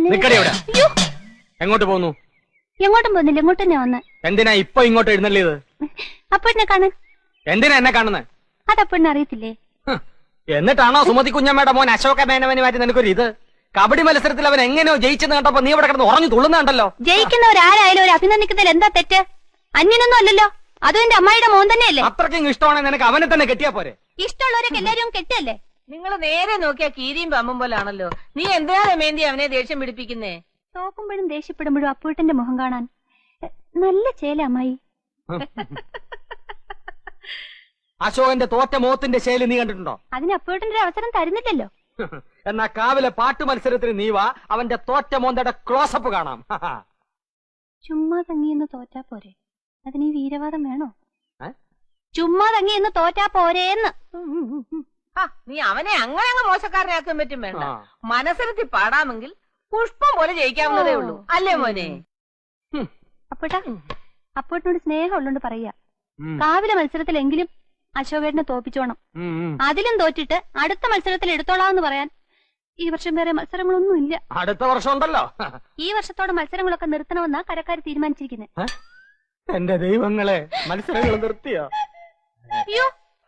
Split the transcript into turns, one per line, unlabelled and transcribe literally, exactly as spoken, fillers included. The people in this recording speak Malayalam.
നിക്കടി അവിടെ. എങ്ങോട്ട് പോന്നു?
എങ്ങോട്ടും പോകുന്നില്ല, ഇങ്ങോട്ട് തന്നെ വന്ന്.
എന്തിനാ ഇപ്പൊ ഇങ്ങോട്ട് എഴുന്നള്ളിയത്?
അപ്പഴിനെ കാണാൻ.
എന്തിനാ എന്നെ കാണുന്നത്?
അതപ്പഴിനെ അറിയത്തില്ലേ?
എന്നിട്ടാണോ സുമതി കുഞ്ഞമ്മയുടെ മോൻ അശോക മേനവന് മാറ്റി നിനക്കൊരു ഇത്? കബഡി മത്സരത്തിൽ അവൻ എങ്ങനെയോ ജയിച്ചെന്ന് കണ്ടപ്പോ നീ ഇവിടെ കിടന്ന് ഉറഞ്ഞു തുള്ളുന്നുണ്ടല്ലോ.
ജയിക്കുന്നവരാരായാലും ഒരു അഭിനന്ദിക്കുന്നതിൽ എന്താ തെറ്റ്? അന്യനൊന്നും അല്ലല്ലോ, അതും എന്റെ അമ്മായിയുടെ മോൻ തന്നെയല്ലേ.
അത്രയ്ക്കും ഇഷ്ടമാണെങ്കിൽ നിനക്ക് അവനെ തന്നെ കെട്ടിയാ പോരെ?
ഇഷ്ടമുള്ളവരൊക്കെ എല്ലാരും കെട്ടല്ലേ?
നിങ്ങൾ നേരെ നോക്കിയാ കീരിയും പമ്പും പോലാണല്ലോ. നീ എന്തിനാ രമേന്തി അവനെ ദേഷ്യം പിടിപ്പിക്കുന്നേ?
തോക്കുമ്പോഴും ദേഷ്യപ്പെടുമ്പോഴും അപ്പൂട്ടന്റെ മുഖം കാണാൻ നല്ല ചേല അമ്മായി.
അശോകന്റെ തോറ്റ മോത്തിന്റെ ശൈലി നീ കണ്ടിട്ടുണ്ടോ?
അതിന് അപ്പൂട്ടന്റെ ഒരു അവസരം തരുന്നില്ലല്ലോ.
എന്നാ കാവിലെ പാട്ട് മത്സരത്തിന് നീ വാ, അവന്റെ തോറ്റ മോന്തയുടെ ക്ലോസപ്പ് കാണാം.
ചുമ്മാ തങ്ങിയെന്ന് തോറ്റാ പോരെ, അതിന് ഈ വീരവാദം വേണോ? ചുമ്മാ തങ്ങിയെന്ന് തോറ്റാ പോരേന്ന്.
നീ അവനെ അങ്ങനെ അങ്ങ് മോശക്കാരനാക്കാൻ പറ്റും വേണ്ട. മനസ്സിലെത്തി പാടാമെങ്കിൽ പുഷ്പം പോലെ ജയിക്കാവുന്നതേ ഉള്ളൂ, അല്ലേ മോനെ?
അപ്പോട്ടാ, അപ്പോട്ടിനോട് സ്നേഹം ഉള്ളോണ്ട് പറയാ, കാവിലെ മത്സരത്തിലെങ്കിലും അശോകേട്ടനെ തോപ്പിച്ചോണം. അതിലും തോറ്റിട്ട് അടുത്ത മത്സരത്തിൽ എടുത്തോളാന്ന് പറയാൻ ഈ വർഷം വേറെ മത്സരങ്ങളൊന്നും ഇല്ല.
അടുത്ത വർഷം ഉണ്ടല്ലോ.
ഈ വർഷത്തോടെ മത്സരങ്ങളൊക്കെ നിർത്തണമെന്നാ കരക്കാർ തീരുമാനിച്ചിരിക്കുന്നത്.
എന്റെ ദൈവങ്ങളെ, മത്സരങ്ങൾ നിർത്തിയോ?
അയ്യോ,